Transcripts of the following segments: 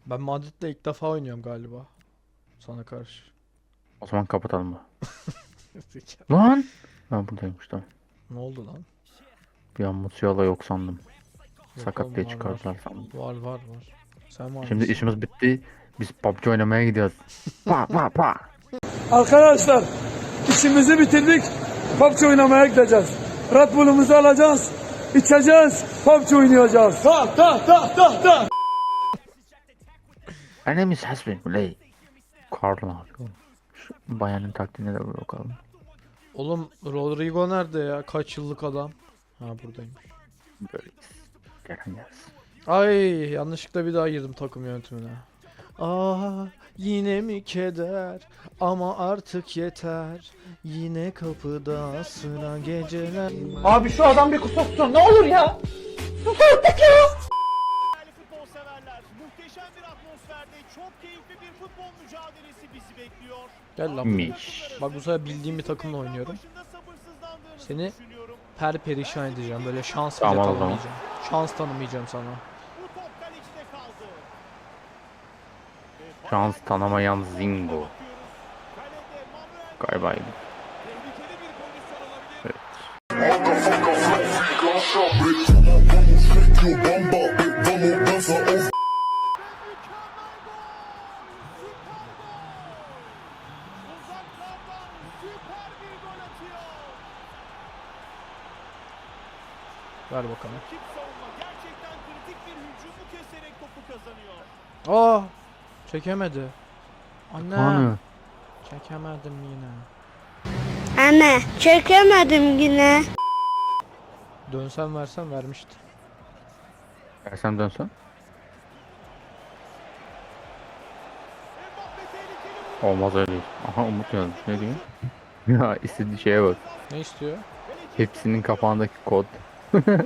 Ben Madrid'le ilk defa oynuyorum galiba. Sana karşı. O zaman kapatalım mı? Zeka. Lan! Ha buradaymış tamam. Ne oldu lan? Bir an Musiala yok sandım. Yok Sakat diye oğlum, var var. çıkardılar sandım. Var var var. Sen var Şimdi mısın? işimiz bitti. Biz PUBG oynamaya gidiyoruz. Pa pa pa. Arkadaşlar işimizi bitirdik. PUBG oynamaya gideceğiz. Red Bull'umuzu alacağız. İçeceğiz. PUBG oynayacağız. Ta ta ta ta ta. Enemies has been play. Karl ne yapıyor? Şu bayanın taktiğine de bir bakalım. Oğlum Rodrigo nerede ya? Kaç yıllık adam? Ha, buradaymış. Böyleyiz. Gelen gelsin. Ay, yanlışlıkla bir daha girdim takım yönetimine. Ah, yine mi keder? Ama artık yeter. Yine kapıda sıra geceler. Abi şu adam bir kusursun ne olur ya. Değerli futbol severler, muhteşem bir atmosferde çok keyifli bir futbol mücadelesi bizi bekliyor. Gel lan. Miş. Bak, bu sefer bildiğim bir takımla oynuyorum. Başında sabırsızlandığınızı Seni düşünüyorum. perişan edeceğim. Böyle şans bile Tamam o zaman. tanımayacağım. Şans tanımayacağım sana. Bu top kalecide kaldı. Şans tanımayan Zingo. Bakıyoruz. Kalede Manuel Galiba iyi. tehlikeli bir pozisyon olabilir. Evet. Uzaklardan süper bir gol atıyor. Ver bakalım. Rakip savunma gerçekten kritik bir hücumu keserek topu kazanıyor. Aa! Çekemedi. Anne. Anı. Çekemedim yine. Anne çekemedim yine. Dönsem versem vermişti. Versem dönsün. Mbappe tehlikeli Olmaz öyle. Aha Umut yazmış. Ne diyor? Ya istediği şeye bak. Ne istiyor? Hepsinin kapağındaki kod. vuruşundan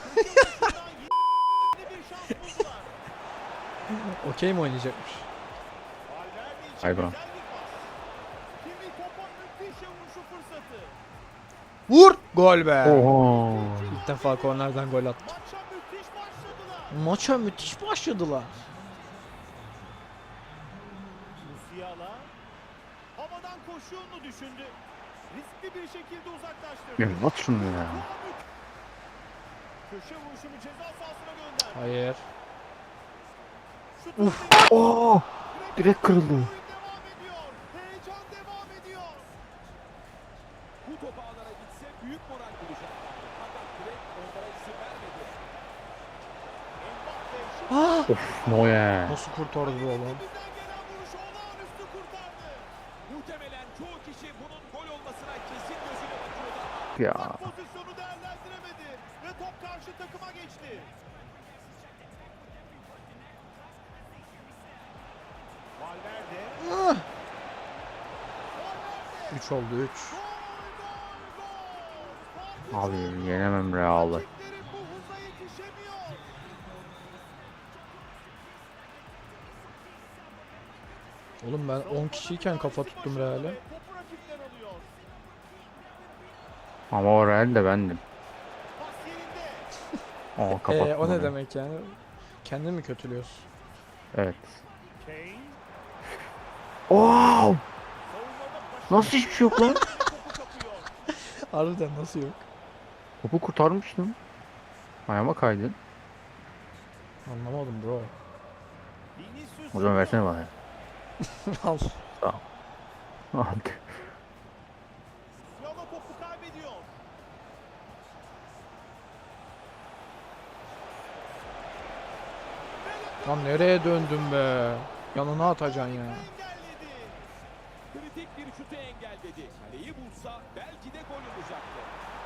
yeni bir şans buldular. Okey mi oynayacakmış? Valverde için Galiba. güzel bir pas. Kimi topa müthiş vuruşu fırsatı. Vur! Gol be! Oho. İlk defa kornerden gol attı. Maça müthiş başladılar. Maça müthiş başladılar. Musiala havadan koşu yolunu düşündü. Riskli bir şekilde uzaklaştırdı. Ya at şunu ya. Köşe vuruşunu ceza sahasına gönderdi. Hayır. Şut Uf. Oo. Direkt kırıldı. Oyun devam ediyor. Heyecan devam ediyor. Bu top ağlara gitse büyük moral bulacaklardı. Fakat direkt onlara izin vermedi. Mbappe şut Ah! Of Neuer. Nasıl kurtardı bu oğlum? bizden gelen vuruşu olağanüstü kurtardı. Muhtemelen çoğu kişi bunun gol olmasına kesin gözüyle bakıyordu ama Ya. Pozisyonu değerlendiremedi ve top karşı takıma geçti. Valverde. 3 oldu 3. Abi yenemem Real'ı. Rakipleri bu hıza yetişemiyor. Oğlum ben 10 kişiyken kafa tuttum Real'e. Topu rakipler alıyor. Ama o Real de bendim. Pas yerinde. Aa kapattım. O ne orayı. demek yani? Kendini mi kötülüyorsun? Evet. Kane. Wow. Savunmada başarılı Nasıl hiçbir şey yok lan? topu kapıyor. Harbiden nasıl yok? Topu kurtarmıştım. Ayağıma kaydı. Anlamadım bro. Vinicius O zaman versene bana. Al. Sağ ol. Hadi. Yala topu kaybediyor. Lan nereye döndün be? Yanına atacaksın ya. Engelledi. kritik bir şutu engelledi. Kaleyi bulsa belki de gol olacaktı.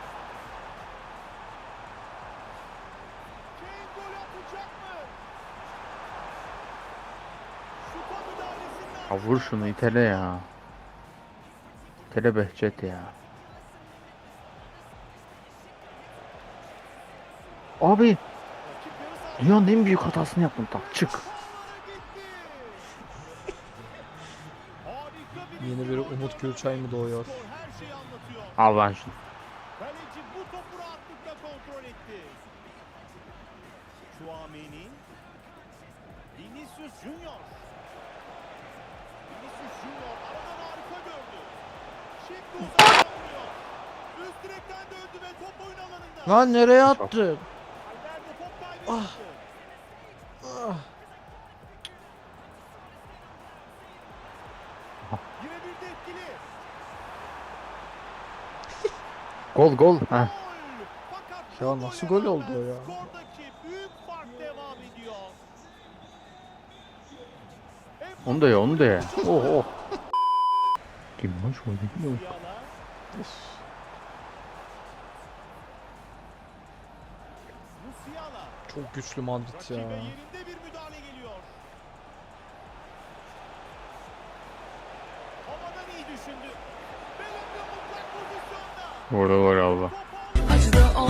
Kane gol atacak mı? Şuta müdahalesinden Ya vur şunu itele ya. İtele Behçet ya. Abi rakip yarı sahada dünyanın en büyük hatasını yaptım. Tak çık. gitti. Harika bir Yeni bir Umut Gülçay mı doğuyor? skor her şeyi anlatıyor. Al lan şunu. Kaleci bu topu rahatlıkla kontrol etti. Chouameni. Vinicius Vinicius Junior. Vinicius Junior aradan harika gördü. Şimdi uzaktan vuruyor. Üst direkten döndü ve top oyun alanında. Lan nereye attın? Albert top kaybı yaptı. Ah. Girebildi etkili. Gol gol. Heh. Gol. Fakat Ya bu nasıl gole gol oldu o rağmen ya? skordaki büyük fark devam ediyor. Onu da ye, onu da ye. Oh oh. Kim hoş oldu? Musiala. Musiala. Çok güçlü Madrid Rakibe ya. yerinde bir müdahale geliyor. Havadan iyi düşündü. Bellingham mutlak pozisyonda. Orada var Allah. Topu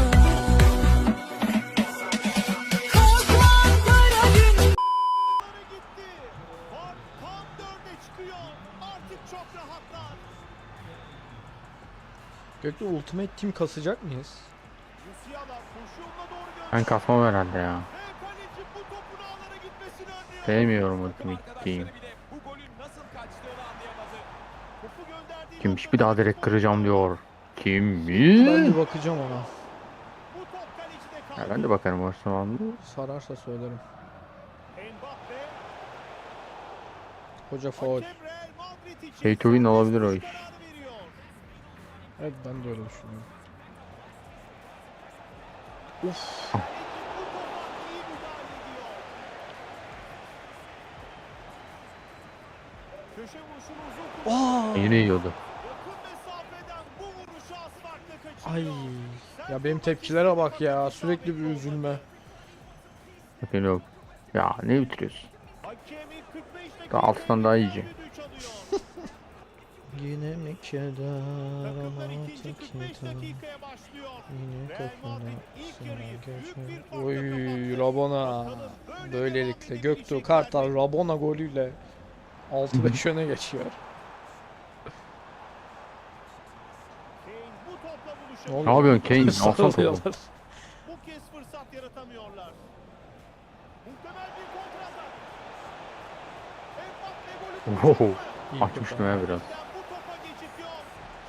ağlara gitti. Fark tam 4'e çıkıyor. Artık çok rahatlar. Gökte Ultimate Team kasacak mıyız? Musiala koşu yoluna doğru Ben gönderdi. kasmam herhalde ya. Ve kaleci bu topun ağlara gitmesini önlüyor. Sevmiyorum Takım Ultimate arkadaşları Team. bile bu golün nasıl kaçtığını anlayamadı. Topu gönderdiği Kimmiş bir noktada daha direkt topu- kıracağım diyor. Kim? Ben bir bakacağım ona. Bu top kalecide kaldı. Ya ben de bakarım o zaman. Sararsa söylerim. Mbappe, Hoca faul. hakem Real Madrid için Pay to win olabilir o serbest iş. vuruş kararı veriyor. Evet ben de öyle düşünüyorum. Kaleci bu topa iyi müdahale ediyor. Köşe vuruşunu uzun kullanıyor. Aa! Yine yiyordu. Yakın mesafeden bu vuruşu az farkla Ay. kaçırıyor. Ya benim tepkilere bak ya. Sürekli bir üzülme. Bakın yok. Ya ne bitiriyorsun? Hakemi 45 dakika Daha altından daha iyice. düdüğü çalıyor. Yine mi keder Takımlar ama ikinci tek 45 yeter. dakikaya başlıyor. Yine Real kafana Madrid ilk yarıyı sıra büyük bir geçer. farkla Oy kapattı. Rabona. Bakalım böyle Böylelikle devam Göktuğ edebilecekler Kartal mi? Rabona golüyle 6-5 öne geçiyor. Kane bu topla Ne buluşamıyor. Ne yapıyorsun Kane? Alsana topu. Sarılıyorlar. Bu kez fırsat yaratamıyorlar. Muhtemel bir kontratak. Mbappe golü Wow. bulacak mı? İyi Açmıştım kurtar. ya biraz. Bu topa geçit yok.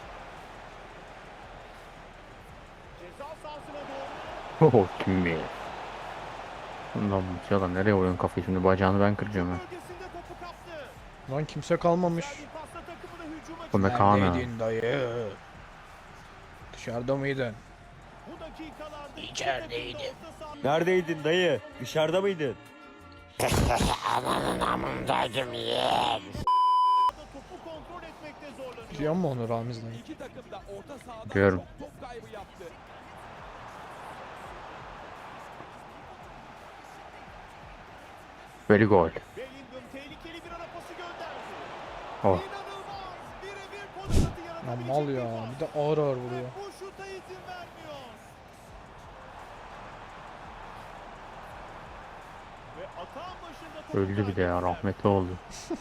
Ceza sahasına doğru. Oh kim be? Lan bu adam nereye vuruyorsun kafayı şimdi bacağını ben kıracağım ha. Bölgesinde topu kaptı. Lan kimse kalmamış. Güzel bir pasla takımını hücuma Bu ne çıkardı. Kaan ha? Neredeydin dayı? Dışarıda mıydın? Bu dakikalarda iki İçerideydim. takım da orta saha- Neredeydin dayı? Dışarıda mıydın? Topu kontrol etmekte zorlanıyor. Biliyor musun onu Ramiz'den? İki takım da orta sahada Diyorum. çok top kaybı yaptı. Very gol. Bellingham tehlikeli bir ara pası gönderdi. Oh. İnanılmaz. Birebir fırsatı Lan yaratabilecek mal bir ya. pas. Bir de ağır ağır Ve vuruyor. bu şuta izin vermiyor. Ve atağın başında topu Öldü bir de ya kaybettiler. rahmetli oldu.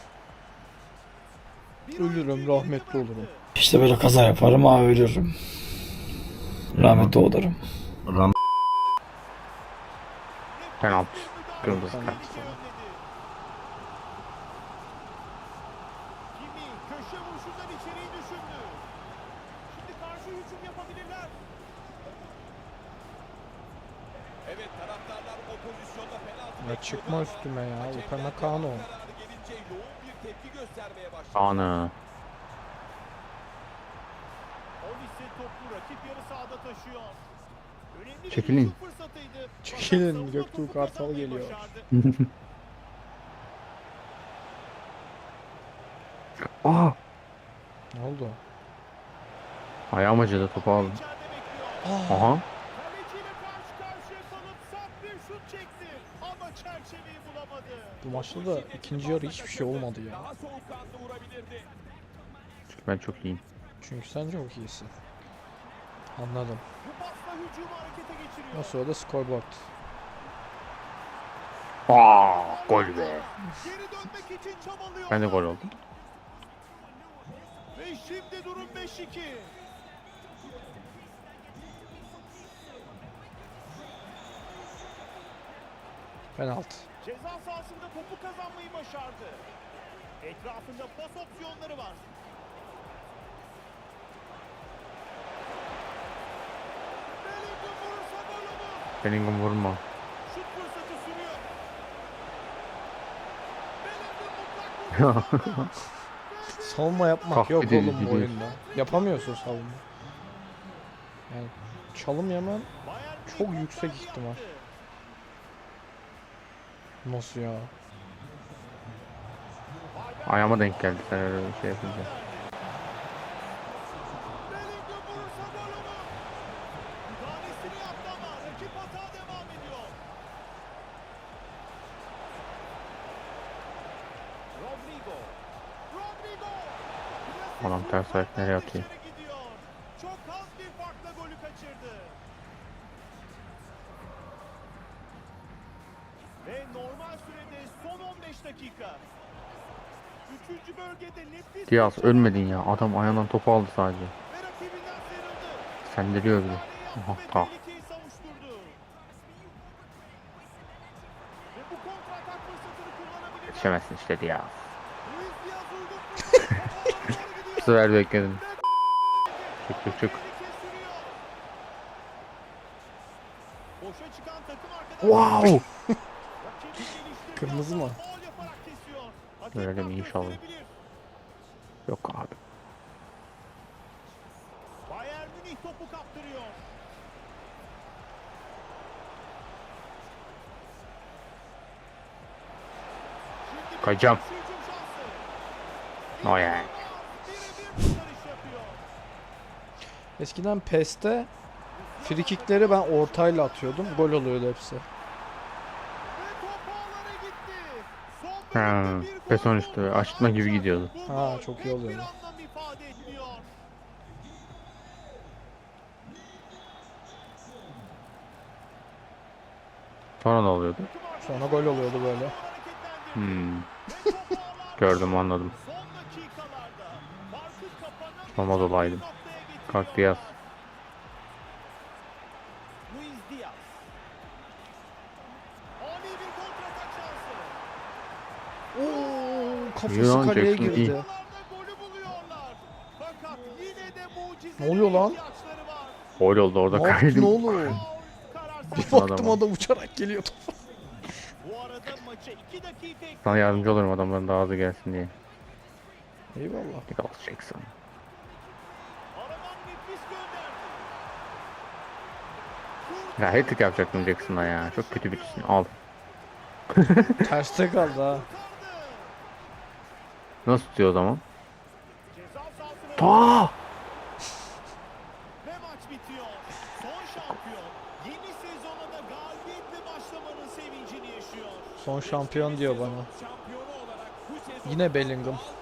Bir Ölürüm, oyuncuyu geride rahmetli bıraktı. olurum. İşte böyle kaza yaparım, abi ölürüm. Rahmetli olurum. Penaltı. Bir müdahale Kırmızı tehlike kart. önledi. Kimi köşe vuruşundan içeriği düşündü. Şimdi karşı hücum yapabilirler. Evet taraftarlar o pozisyonda penaltı Ya çıkma bekliyordu üstüme ya. ama Upamecano. hakemden kararı gelince yoğun bir tepki göstermeye başladı. Ana. Olise topu rakip yarı sahada taşıyor. Önemli bir Çekilin. hücum fırsatıydı. Çekilin, Fakat savunma Göktuğ topu Kartal kazanmayı geliyor. başardı. Aa. Ne oldu? Ayağım acıdı topu aldım. İçeride bekliyor. Aha. Kaleciyle karşı karşıya kalıp sert bir şut çekti. Ama çerçeveyi bulamadı. Bu maçta da ikinci yarı hiçbir şey olmadı ya. Daha soğukkanlı vurabilirdi. Çünkü ben çok iyiyim. Çünkü sen çok iyisin. Anladım. Bu pasla hücumu harekete geçiriyor. O sırada scoreboard. Aa, gol be. Geri dönmek için çabalıyor. Ben de gol oldum. Ve şimdi durum 5-2. Penaltı. Ceza sahasında topu kazanmayı başardı. Etrafında pas opsiyonları var. Bellingham vurursa gol olur. Bellingham vurma. Şut fırsatı sürüyor. Bellingham mutlak vurdu. Savunma yapmak Kahpe yok değil, oğlum bu gidiyor. oyunda. Yapamıyorsun savunma. Yani çalım yemen Bayern çok Münih yüksek kontrol ihtimal. yaptı. Nasıl ya? Ayağıma denk geldi sen öyle bir şey yapınca. Bellingham vurursa gol olur. Müdahalesini yaptı ama rakip hata devam ediyor. Rodrigo. Rodrigo. Adam ters ayak nereye atıyor? Dışarı gidiyor. Çok az bir farkla golü kaçırdı. Ve normal sürede son 15 dakika. Üçüncü bölgede nefis Diaz bir ölmedin ya. Adam ayağından topu aldı sadece. ve rakibinden sıyrıldı. Sendiriyor bile. Müdahale Aha yaptı ve tak. tehlikeyi savuşturdu. Ve bu kontratak fırsatını kullanabilir. Yetişemezsin işte Diaz. Luis Diaz uygun fırsat. Topu alana doğru Bu gidiyor. sefer bekledim. Ve Çık çık çık. tehlike sürüyor. Boşa çıkan takım arkadaşı. Wow. Rakibin geliştirdiği Kırmızı hata mı? faul yaparak kesiyor. Hakem Öyle deme kart inşallah. gösterebilir. Yok abi. Bayern Münih topu kaptırıyor. Şimdi bir Kayacağım. karşı hücum şansı. O yani. Birebir kurtarış yapıyor. Eskiden PES'te frikikleri ben ortayla atıyordum. Gol oluyordu hepsi. Ve top ağlara gitti. Son Ha, bölümde bir gol PES 13'te buldu. açma gibi Ancak gidiyordu. bu Ha, gol çok iyi pek oluyordu. bir anlam ifade etmiyor. Sonra ne oluyordu? Sonra gol oluyordu böyle. Hmm. Gördüm anladım. Son dakikalarda farkı kapanamayacak Olmaz olaydım. bir noktaya getiriyor. Kalk Diaz. Luis Diaz. Ani bir kontratak şansı. Oo, İyi kafası lan, kaleye Jackson iyi. girdi. Oralarda golü buluyorlar. Fakat yine de mucize Ne oluyor lan? ihtiyaçları var. Gol oldu orada Ne yaptın kaydım. oğlum? Faul karar Bir sert. baktım adam uçarak geliyor topa. Bu arada maça 2 dakika ekliyor. Sana yardımcı olurum adamların daha hızlı gelsin diye. Eyvallah. Nicholas Jackson. Aradan nefis gönderdi. Ya hat-trick yapacaktım Jackson'a ya. Çok kötü birisin. Al. Terste kaldı ha. Kurtardı. Nasıl tutuyor o zaman? Ceza sahasına Ta! ve maç bitiyor. Son şampiyon yeni sezona da galibiyetle başlamanın sevincini yaşıyor. Son şampiyon diyor bana. Şampiyonu olarak bu sezon Yine Bellingham.